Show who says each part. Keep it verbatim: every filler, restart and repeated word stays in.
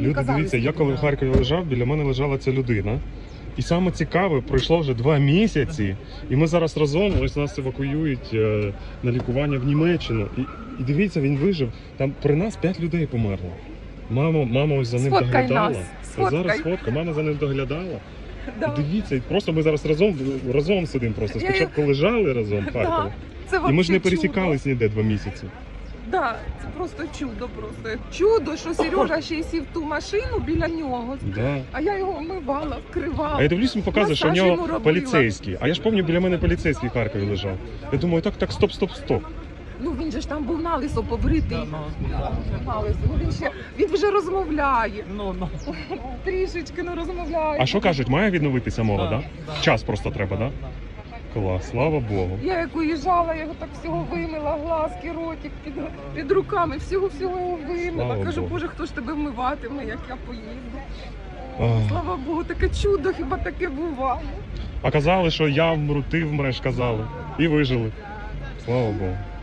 Speaker 1: Люди,
Speaker 2: казали,
Speaker 1: дивіться, я
Speaker 2: скільки
Speaker 1: коли в
Speaker 2: треба.
Speaker 1: Харкові лежав, біля мене лежала ця людина. І саме цікаве, пройшло вже два місяці, і ми зараз разом, ось нас евакуюють е, на лікування в Німеччину. І, і дивіться, він вижив. Там при нас п'ять людей померло. Мама, мама ось за ним
Speaker 2: Сфоткай
Speaker 1: доглядала.
Speaker 2: нас, сфоткай.
Speaker 1: Зараз фотка, мама за ним доглядала.
Speaker 2: Да.
Speaker 1: І дивіться, і просто ми зараз разом, разом сидимо просто.
Speaker 2: Я-
Speaker 1: Спочатку лежали разом в
Speaker 2: Да.
Speaker 1: Харкові.
Speaker 2: Це
Speaker 1: І ми ж
Speaker 2: вообще
Speaker 1: не
Speaker 2: чудо.
Speaker 1: пересікались ніде два місяці.
Speaker 2: Да, це просто чудо, просто чудо, що Сережа ще й сів в ту машину біля нього.
Speaker 1: Да.
Speaker 2: А я його вмивала, вкривала.
Speaker 1: А я дивлюсь, він показує, що в
Speaker 2: Масаж
Speaker 1: нього
Speaker 2: йому робила.
Speaker 1: поліцейський. А я ж пам'ятаю, біля мене поліцейський в Харкові лежав. Я думаю, так, так, стоп, стоп, стоп.
Speaker 2: Ну він же ж там був налисо побритий. Налисо. Ну, він ще він вже розмовляє.
Speaker 3: Ну, ну.
Speaker 2: Трішечки ну розмовляє.
Speaker 1: А що кажуть, має відновитися мова,
Speaker 3: Да,
Speaker 1: да?
Speaker 3: да.
Speaker 1: Час просто треба, да? Клас, слава Богу.
Speaker 2: Я як уїжджала, я його так всього вимила, глазки, ротик під, під руками, всього-всього його вимила.
Speaker 1: Слава
Speaker 2: Кажу,
Speaker 1: Богу.
Speaker 2: Боже, хто ж тебе вмиватиме, як я поїду.
Speaker 1: Ах.
Speaker 2: Слава Богу, таке чудо, хіба таке буває.
Speaker 1: А казали, що я вмру, ти вмреш, казали. І вижили. Слава Богу.